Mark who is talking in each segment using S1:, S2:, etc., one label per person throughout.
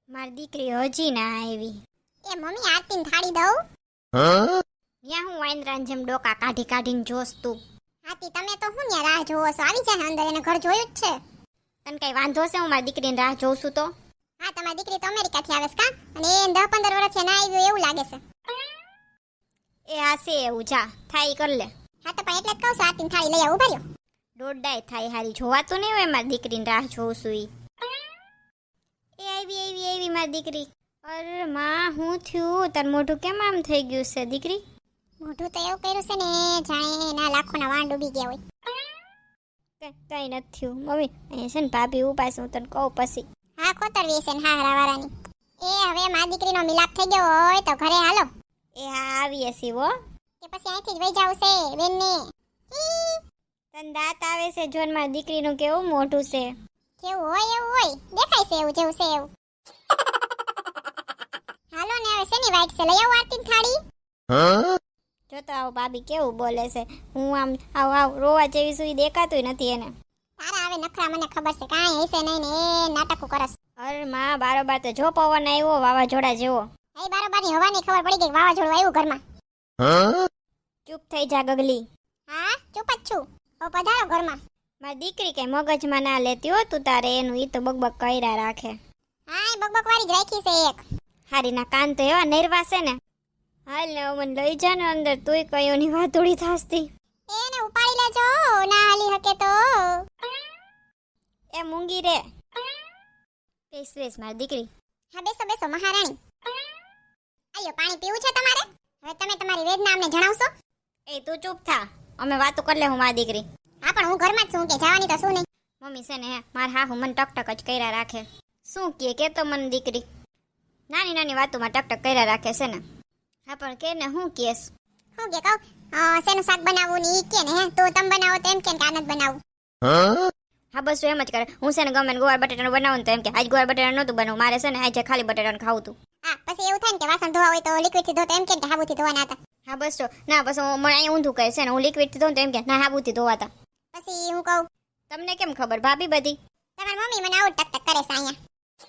S1: મારી દીકરી હજી ના આવી.
S2: એ મમ્મી આરતીને થાળી દઉં?
S1: ન્યા હું વાંદરાની જેમ ડોકા કાઢી કાઢીને જોસ તું.
S2: આરતી તમે તો હું ન્યા રાહ જોવો છો? આવી જાય અંદર, એને ઘર જોયું જ છે.
S1: તને કઈ વાંધો છે હું મારી દીકરીને રાહ જોઉં છું તો?
S2: હા, તમારી દીકરી તો અમેરિકાથી આવે છે કા? અને એ 10-15 વર્ષથી ના આવ્યું એવું લાગે છે.
S1: એ આ છે એવું, જા થાય કર લે.
S2: હા તો પણ એટલે જ કહું છું, આરતીને થાળી લઈ આવું. ઉભા રહ્યો.
S1: દોડાય થાય હારી, જોવાતું નહીં હોય મારી દીકરીને રાહ જોઉં છું ઈ. એ આવી મારી દીકરી. અરે માં હું થયું? તાર મોઢું કેમ આમ થઈ ગયું છે દીકરી?
S2: મોઢું તો એવું કર્યું છે ને જાણે એના લાખોના વાણ ડૂબી ગયા હોય.
S1: કઈ નથી થયું મમ્મી. અહીંયા છે ને ભાભી ઉભા છે, હું તને કહું પછી.
S2: હા ખોતરવી છે ને હારા વાળાની. એ હવે મારી દીકરીનો મિલાપ થઈ ગયો હોય તો ઘરે હાલો.
S1: એ હા આવીએ છીએ હો.
S2: કે પછી અહીંથી જ વહી જાવ છે બેનને.
S1: તને દાંત આવે છે જોન મારી દીકરીનું કેવું મોઢું છે.
S2: જેવું હોય એવું હોય, દેખાય છે એવું જેવું છે એવું. હાલો ને હવે શેની વાઈટ છે, લઈ આવો આરતીની થાળી.
S1: જો તો આવો ભાભી કેવું બોલે છે. હું આમ આવ રોવા જેવી સુઈ દેખાતું નથી એને.
S2: તારા હવે નખરા મને ખબર છે, કાંઈ હશે નહીં ને એ નાટકો કરસ.
S1: અરે માં બારોબાર તો જો પવન આવ્યો વાવાઝોડા જેવો.
S2: એ બારોબારની હવાની ખબર પડી ગઈ, વાવાઝોડું આવ્યું ઘરમાં.
S1: ચૂપ થઈ જા ગગલી.
S2: હા ચૂપ જ છું. હવે પધારો ઘરમાં.
S1: મારી દીકરી કઈ મગજમાં ના લેતી હો તું તારે એનું, ઈ તો બકબક કર્યા રાખે.
S2: હા એ બકબક વાળી જ રાખી છે એક.
S1: હારીના કાન તો એવા નિર્વા છે ને. હાલ ને મને લઈ જા ને અંદર, તુંય કયોની વાતોડી થાસતી.
S2: એને ઉપાડી લેજો, ના હાલી હકે તો.
S1: એ મૂંગી રે. બેસ મારી દીકરી.
S2: હા બેસો બેસો મહારાણી. આયો પાણી પીવું છે તમારે? હવે તમે તમારી વેદના અમને જણાવશો?
S1: એ તું ચૂપ થા, અમે વાતો કરી લે હું મારી દીકરી.
S2: હા પણ હું ઘરમાં જ છું કે જવાની તો શું નહીં.
S1: મમ્મી છે ને મારા હાહુ મને ટકટક જ કર્યા રાખે. શું કે તો મને દીકરી નાની નાની વાતોમાં ટકટક કર્યા રાખે છે ને. હા પણ કે ને હું કેસ
S2: હું કે કહું શેનું શાક બનાવવું ને ઈ કે ને હે તો તમે બનાવો તો એમ કે આનંદ બનાવું.
S1: હા બસ એમ જ કરે. હું છે ને ગમે ને ગોળ બટેટાનું બનાવું ને તો એમ કે આજ ગોળ બટેટા નહોતું બનાવું, મારે છે ને આજે ખાલી બટેટાનું ખાવું તું.
S2: હા પછી એવું થાય ને કે વાસણ ધોવા હોય તો લિક્વિડ થી ધો તો એમ કે હાબુથી ધોવાના હતા.
S1: હા બસ તો ના બસ હું મને અહીં ઊંધું કહે છે ને, હું લિક્વિડ થી ધોઉં તો એમ કે ના હાબુથી ધોવાતા.
S2: પછી હું કહું
S1: તમને કેમ ખબર ભાભી બધી?
S2: તમારી મમ્મી મને આવું ટક ટક કરે છે અહીંયા.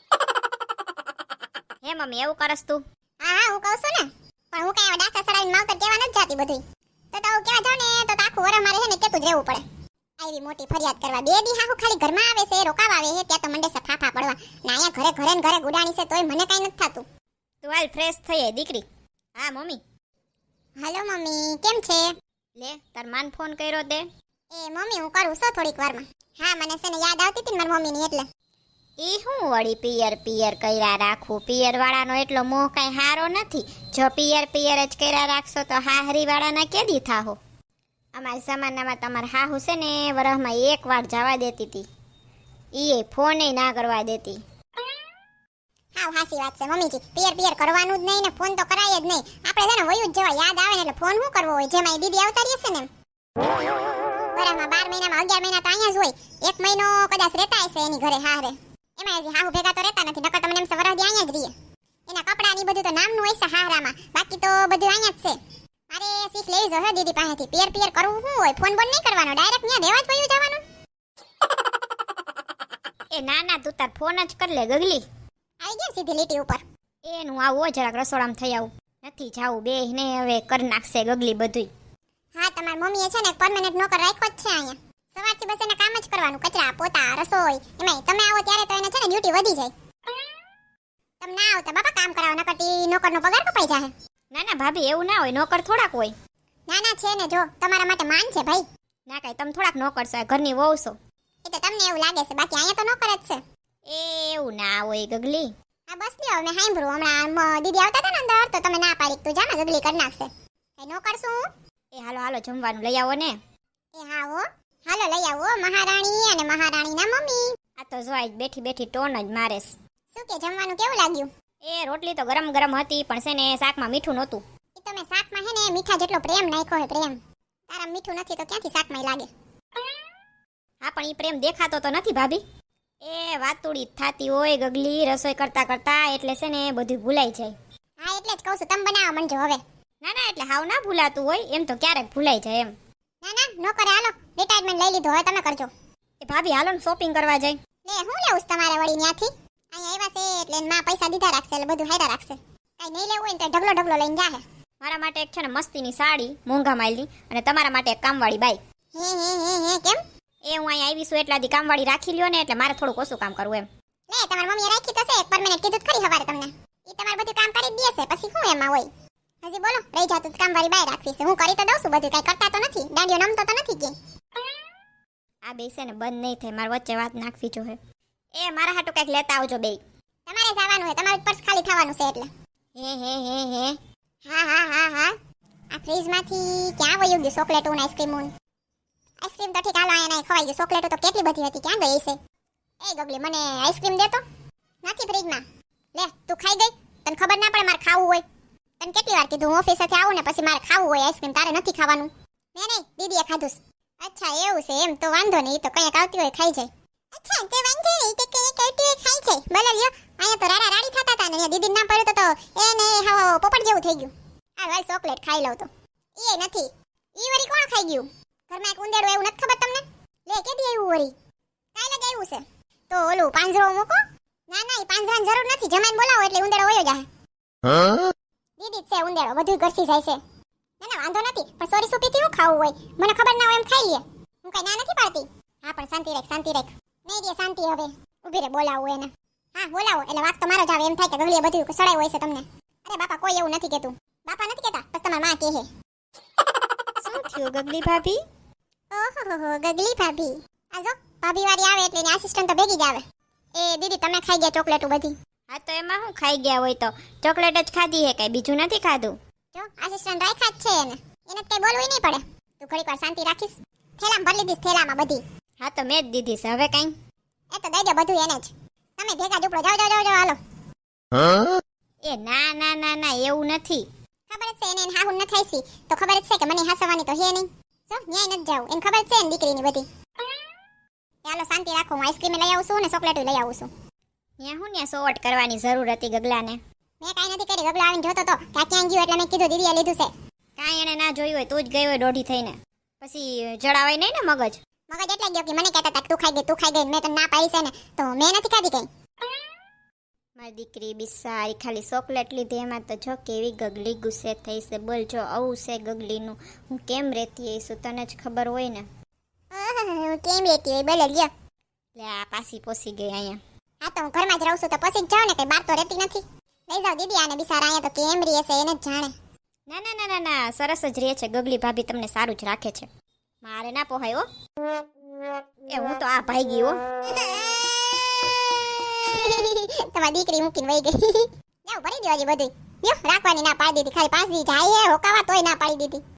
S1: હે મમ્મી એવું કરસ તું?
S2: હા હા હું કહું છું ને, પણ હું કઈ ડાસા સડાઈને માવતર કેવા નથી જાતી બધું. તો હું કેવા જાઉં ને તો આખું વરસ મારે છે ને કેતું જ રહેવું પડે. આવી મોટી ફરિયાદ કરવા 2 દી હાહુ ખાલી ઘરમાં આવે છે, રોકાવા આવે છે, ત્યાં તો મંડે છે ફાફા પડવા. ને અહીંયા ઘરે ઘરે ને ઘરે ગુડાણી છે તોય મને કઈ નથી થતું.
S1: તું હાલ ફ્રેશ થઈ જાય દીકરી. હા મમ્મી.
S2: હાલો મમ્મી કેમ છે?
S1: લે તાર માન ફોન કર્યો તે?
S2: એ મમ્મી હું કરું છું થોડીક વારમાં. હા મને છે ને યાદ આવતી હતી ને મારી મમ્મીની એટલે.
S1: ઈ હું વળી પિયર પિયર કર્યા રાખું? પિયર વાળાનો એટલો મોહ કઈ હારો નથી. જો પિયર પિયર જ કર્યા રાખશો તો હાહરી વાળાના કેદી થાહો? અમારા જમાનામાં તમારા હાહુ છે ને વરસમાં 1 વાર જવા દેતી હતી. ઈ ફોને ના કરવા દેતી.
S2: હા હાસી વાત છે મમ્મીજી, પિયર પિયર કરવાનું જ નહીં ને ફોન તો કરાય જ નહીં. આપણે છે ને વયું જ જવા યાદ આવે ને એટલે ફોન શું કરવો હોય, જેમાં દીદી આવતા રહેશે ને એમ. બરામાં 12 મહિનામાં 11 મહિના તો અહીંયા જ હોય. 1 મહિનો કદાચ રહેતા હશે એની ઘરે હારે. એમાં હજી હાહુ ભેગા તો રહેતા નથી, નકર તમને એમ વરસદી અહીંયા જ રહીએ. એના કપડા ની બધું તો નામનું હોય છે હારામાં, બાકી તો બધું અહીંયા જ છે. મારે શીખ લેવી જોઈએ દીદી પાસેથી. પિયર પિયર કરવું શું હોય, ફોન બોન નહીં કરવાનો, ડાયરેક્ટ ત્યાં રહેવા જ વયું જવાનું.
S1: એ ના ના તું તાર ફોન જ કર લે ગગલી.
S2: આવી ગયા સીધી લીટી ઉપર.
S1: એનું આવું જરાક રસોડામાં થઈ આવું. નથી જાવું બે ને હવે કરી નાખશે ગગલી બધું.
S2: હા તમારી મમ્મીએ છે ને પરમેનન્ટ નોકર રાખ્યો જ છે અહીંયા. સવારથી બસ એને કામ જ કરવાનું, કચરા પોતા રસોઈ. એમાંય તમે આવો ત્યારે તો એને છે ને ડ્યુટી વધી જાય. તમે ના આવતા બાપા કામ કરાવો, નકર નોકરનો પગાર કપાઈ જાય.
S1: ના ના ભાભી એવું ના હોય, નોકર થોડાક હોય.
S2: ના ના છે ને, જો તમારા માટે માન છે ભાઈ.
S1: ના કાંઈ તમે થોડાક નોકર છો, ઘરની વહુ છો.
S2: એ તો તમને એવું લાગે છે, બાકી અહીંયા તો નોકર જ છે.
S1: એવું ના હોય ગગલી.
S2: હા બસ લ્યો મેં સાંભળ્યું હમણાં દીદી આવતા હતા ને અંદર તો તમે ના પાડી તું જા ને ગગલી કરી નાખશે. એ નોકર શું?
S1: એ હાલો હાલો જમવાનું લઈ આવો ને.
S2: એ હા હો હાલો લઈ આવો મહારાણી અને મહારાણીના મમ્મી.
S1: આ તો જો આજ બેઠી બેઠી ટોન જ મારેસ.
S2: શું કે જમવાનું કેવું લાગ્યું?
S1: એ રોટલી તો ગરમ ગરમ હતી પણ છે ને શાકમાં મીઠું નહોતું.
S2: એ તમે શાકમાં હે ને મીઠા જેટલો પ્રેમ નાખ્યો હે પ્રેમ. તારા મીઠું નથી તો ક્યાંથી શાકમાં લાગે?
S1: હા પણ ઈ પ્રેમ દેખાતો તો નથી ભાભી. એ વાતુડી થાતી હોય ગગલી રસોઈ કરતા કરતા, એટલે છે ને બધું ભૂલાઈ જાય.
S2: હા એટલે જ કહું છું તમે બનાવવા માંડજો હવે.
S1: ના ના એટલે હાવ ના ભૂલાતું હોય, એમ તો ક્યારેક ભૂલાઈ જાય એમ.
S2: ના ના નોકરે હાલો રિટાયરમેન્ટ લઈ લીધું, હવે તમે કરજો.
S1: એ ભાભી હાલો ને શોપિંગ કરવા જાય.
S2: લે હું લેવું છે તમારે વળી ત્યાંથી? અહીંયા આવ્યા છે એટલે એની માં પૈસા દીધા રાખશે એટલે બધું હાયરા રાખશે. કાંઈ નહીં લેવું હોય ને તો ઢગલો ઢગલો લઈને જાહે.
S1: મારા માટે એક છે ને મસ્તીની સાડી મોંઘા માલની અને તમારા માટે એક કામવાળી બાઈ.
S2: હે કેમ?
S1: એ હું અહીંયા આવી છું એટલાથી કામવાળી રાખી લ્યો ને એટલે મારે થોડુંક ઓછું કામ કરવું એમ.
S2: લે તમારી મમ્મીએ રાખી તો છે એક પરમેનન્ટ કીધું તો ખરી હવારે તમને. ઈ તમારે બધું કામ કરી જ દેશે પછી શું એમાં હોય. હજી બોલો રહી જાતું તો કામવાળી બાય રાખવી છે. હું કરી તો દઉં છું બધું કાંઈ કરતા તો નથી. દાંડિયો નમતો તો નથી કે.
S1: આ બે છે ને બંધ નહીં થાય મારે વચ્ચે વાત નાખવી જોઈએ. એ મારા હાટુ કંઈક લેતા આવજો બે.
S2: તમારે જવાનું છે તમારું પર્સ ખાલી થવાનું છે એટલે.
S1: હે
S2: હા આ ફ્રીજમાંથી ક્યાં વયું ગયું ચોકલેટો ને આઈસ્ક્રીમ આઈસ્ક્રીમ તો ઠીક હાલો અહીંયા ખવાઈ ગયું. ચોકલેટો તો કેટલી બધી હતી ક્યાં ગઈ છે? એ ગગલી મને આઈસ્ક્રીમ દે તો. નથી ફ્રીજમાં. લે તું ખાઈ ગઈ? તને ખબર ના પડે મારે ખાવું હોય? તને કેટલી વાર કીધું હું ઓફિસેથી આવું ને પછી મારે ખાવું હોય આઈસ્ક્રીમ, તારે નથી ખાવાનું. નહીં દીદીએ ખાધું. અચ્છા એવું છે એમ તો વાંધો નહીં, તો કંઈક આવતી હોય ખાઈ જાય. અચ્છા તે વાંધો નહીં તે કંઈક આવતી હોય ખાઈ જાય. બોલો લ્યો અહીંયા તો રાડા રાડી થતા હતા ને અહીંયા દીદી ના પડ્યું તો એને હાવ પોપટ જેવું થઈ ગયું. આ વાલ ચોકલેટ ખાઈ લઉં તો એ નથી. ઈ વરી કોણ ખાઈ ગયું? ઘરમાં એક ઉંદેડું એવું નથી ખબર તમને? લે કેદી આવ્યું વરી? કાલે જ આવ્યું છે. તો ઓલું પાંજરો મૂકો. ના એ પાંજરાની જરૂર નથી, જમાઈને બોલાવો એટલે ઉંદેડો વયો જાય. દીદી જ છે ઉંદેડો, બધું ઘરસી જાય છે. ના વાંધો નથી, પણ સોરી સુપીથી હું ખાવું હોય મને ખબર ના હોય એમ ખાઈ લે. હું કઈ ના નથી પાડતી. હા પણ શાંતિ રાખ. નહીં રે શાંતિ હવે. ઊભી રે બોલાવું એને. હા બોલાવો એટલે વાત તો મારો જ આવે એમ થાય કે ગગલીએ બધું સડાયું હોય છે તમને. અરે બાપા કોઈ એવું નથી કહેતું. બાપા નથી કહેતા બસ તમારી માં કહે.
S1: શું થયું ગગલી ભાભી?
S2: ઓહો ગગલી ભાભી. આ જો ભાભી વાળી આવે એટલે એની આસિસ્ટન્ટ તો ભેગી જ આવે. એ દીદી તમે ખાઈ ગયા ચોકલેટો બધી?
S1: હા તો એમાં હું ખાઈ ગયા હોય તો ચોકલેટ જ ખાધી હે, કઈ બીજું નથી ખાધું.
S2: જો આસિસ્ટન્ટ રાખ્યા જ છે એને કઈ બોલવું નહીં પડે. તું ઘડીક વાર શાંતિ રાખીશ. થેલામાં ભરી લીધીશ થેલામાં બધી.
S1: હા તો મેં જ દીધી છે હવે કઈ.
S2: એ તો દઈ દો બધું એને જ. તમે ભેગા જ ઉપડો જાઓ હાલો.
S1: એ ના એવું નથી.
S2: ખબર જ છે એને હાહુ ન થાયસી તો ખબર જ છે કે મને હાસવાની તો હે નહીં. જો ન્યાય નથી જાવ એને ખબર જ છે ને દીકરીની બધી. ચાલો શાંતિ રાખો, હું આઈસ્ક્રીમ લઈ આવું છું ને ચોકલેટ લઈ આવું છું.
S1: ત્યાં સોવટ કરવાની જરૂર હતી ગગલાને.
S2: મેં કાંઈ નથી કરી. ગગલો આવીને જોતો તો કે આ ક્યાં ગયું એટલે મેં કીધું દીદીએ લીધું છે.
S1: કાંઈ એને ના જોયું હોય તું જ ગઈ હોય દોઢી થઈને. પછી જડાવાય નહીં ને મગજ
S2: એટલે ગયો કે મને કહેતા હતા કે તું ખાઈ ગઈ મેં તો ના પાડી છે ને તો મેં નથી ખાધી કઈ.
S1: મારી દીકરી બિસારી ખાલી ચોકલેટ લીધી એમાં તો જો કેવી ગગલી ગુસ્સે થઈ છે. બોલ જો આવું છે ગગલીનું હું કેમ રહેતી હઈશું તને જ ખબર હોય ને.
S2: કેમ રહેતી હોય બોલે લ્યો.
S1: લે આ પાછી પોસી ગઈ અહીંયા.
S2: હા તો હું ઘરમાં જ રહું છું તો પછી જ જાઉં ને કઈ બહાર તો રહેતી નથી. લઈ જાઓ દીદી આને બિસારા અહીંયા તો કેમ રહે છે એને જ જાણે.
S1: ના સરસ જ રહે છે ગગલી ભાભી, તમને સારું જ રાખે છે. મારે ના પોહાય હો. એ હું તો આ ભાઈ ગઈ હો.
S2: તમારી દીકરી મૂકીને વહી ગઈ. જાવ ભરી દેવા બધું. લ્યો રાખવાની ના પાડી દીધી, ખાલી 5 દી જાય હે હોકાવા તોય ના પાડી દીધી.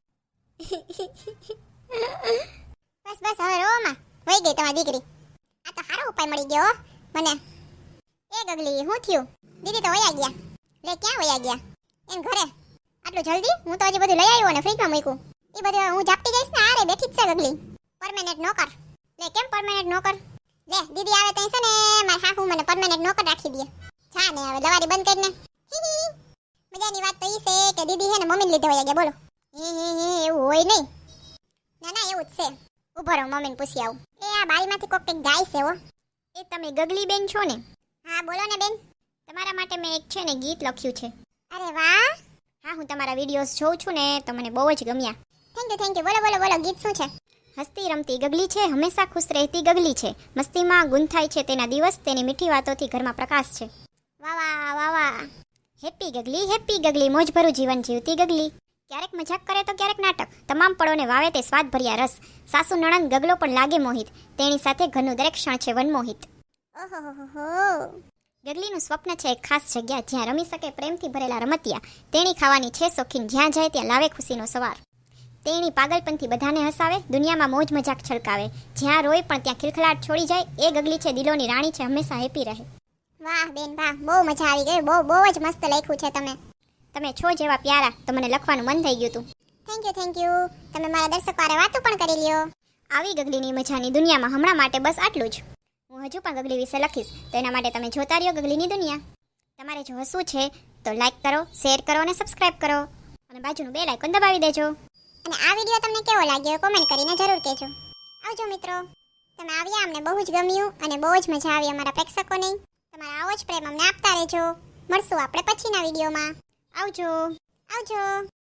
S2: બસ હવે રોમાં વહી ગઈ તમારી દીકરી. આ તો સારો ઉપાય મળી ગયો મને. એ ગગલી શું થયું? દીદી તો વયા ગયા. લે ક્યાં વયા ગયા? એમ ઘરે. આટલું જલ્દી? હું તો હજી બધું લઈ આવ્યો ને ફ્રીજમાં મૂક્યું. એ બધું હું ઝાપટી જઈશ ને આરે બેઠી જ છે ગગલી. પરમેનન્ટ નોકર. લે કેમ પરમેનન્ટ નોકર? લે દીદી આવે તઈ છે ને મારા હાહુ મને પરમેનન્ટ નોકર રાખી દે. છા ને હવે દવારી બંધ કરીને. મજાની વાત તો ઈ છે કે દીદી હે ને મમ્મીને લીધે વયા ગયા બોલો. એવું હોય નહીં. ના એવું જ છે. ઉભો રહો મમ્મીને પૂછી આવું. એ આ બારીમાંથી કોક કંઈક ગાય છે હો.
S1: એ તમે ગગલી બેન છો ને?
S2: હા બોલો ને બેન.
S1: તમારા માટે મેં એક છે ને ગીત લખ્યું છે.
S2: અરે વાહ.
S1: હા હું તમારા વિડીયોઝ જોઉં છું ને તો મને બહુ જ ગમ્યા.
S2: થેન્ક યુ બોલો ગીત શું છે?
S1: હસતી રમતી ગગલી છે, હંમેશા ખુશ રહેતી ગગલી છે, મસ્તીમાં ગુંથાય છે તેના દિવસ, તેની મીઠી વાતોથી ઘરમાં પ્રકાશ છે.
S2: વાહ.
S1: હેપી ગગલી મોજભરું જીવન જીવતી ગગલી. ક્યારેક મજાક કરે તો ક્યારેક નાટક, તમામ પળોને વાવે તે સ્વાદ ભર્યા રસ. સાસુ નણંદ ગગલો પણ લાગે મોહિત, તેની સાથે ઘરનું દરેક ક્ષણ છે વનમોહિત.
S2: ઓહો.
S1: ગગલીનું સ્વપ્ન છે એક ખાસ જગ્યા જ્યાં રમી શકે પ્રેમથી ભરેલા રમતિયા. તેણી ખાવાની છે શોખીન, જ્યાં જાય ત્યાં લાવે ખુશીનો સવાર. તેણી પાગલપનથી બધાને હસાવે, દુનિયામાં મોજ મજાક છલકાવે, જ્યાં રોય પણ ત્યાં ખિલખલાટ છોડી જાય. એ ગગલી છે દિલોની રાણી છે, હંમેશા હેપી રહે.
S2: વાહ બેન વાહ, બહુ મજા આવી ગઈ. બહુ જ મસ્ત લખ્યું છે
S1: તમે છો જેવા પ્યારા તો મને લખવાનું મન થઈ ગયું હતું.
S2: Thank you. તમે મારા દર્શકો હારે વાતો પણ કરી લ્યો.
S1: આવી ગગલીની મજાની દુનિયામાં હમણાં માટે બસ આટલું જ. હું હજુ પણ ગગલી વિશે લખીશ તો એના માટે તમે જોતા રહ્યો ગગલીની દુનિયા. તમારે જો હસવું છે તો લાઈક કરો, શેર કરો અને સબસ્ક્રાઇબ કરો અને બાજુનું બેલ આઇકોન દબાવી દેજો.
S2: અને આ વિડીયો તમને કેવો લાગ્યો કોમેન્ટ કરીને જરૂર કહેજો. આવજો મિત્રો. તમે આવ્યા અમને બહુ જ ગમ્યું અને બહુ જ મજા આવી અમારા પ્રેક્ષકોને. તમારા આવો જ પ્રેમ અમને આપતા રહેજો. મળશું આપણે પછીના વિડીયોમાં.
S1: આવજો.
S2: આવજો.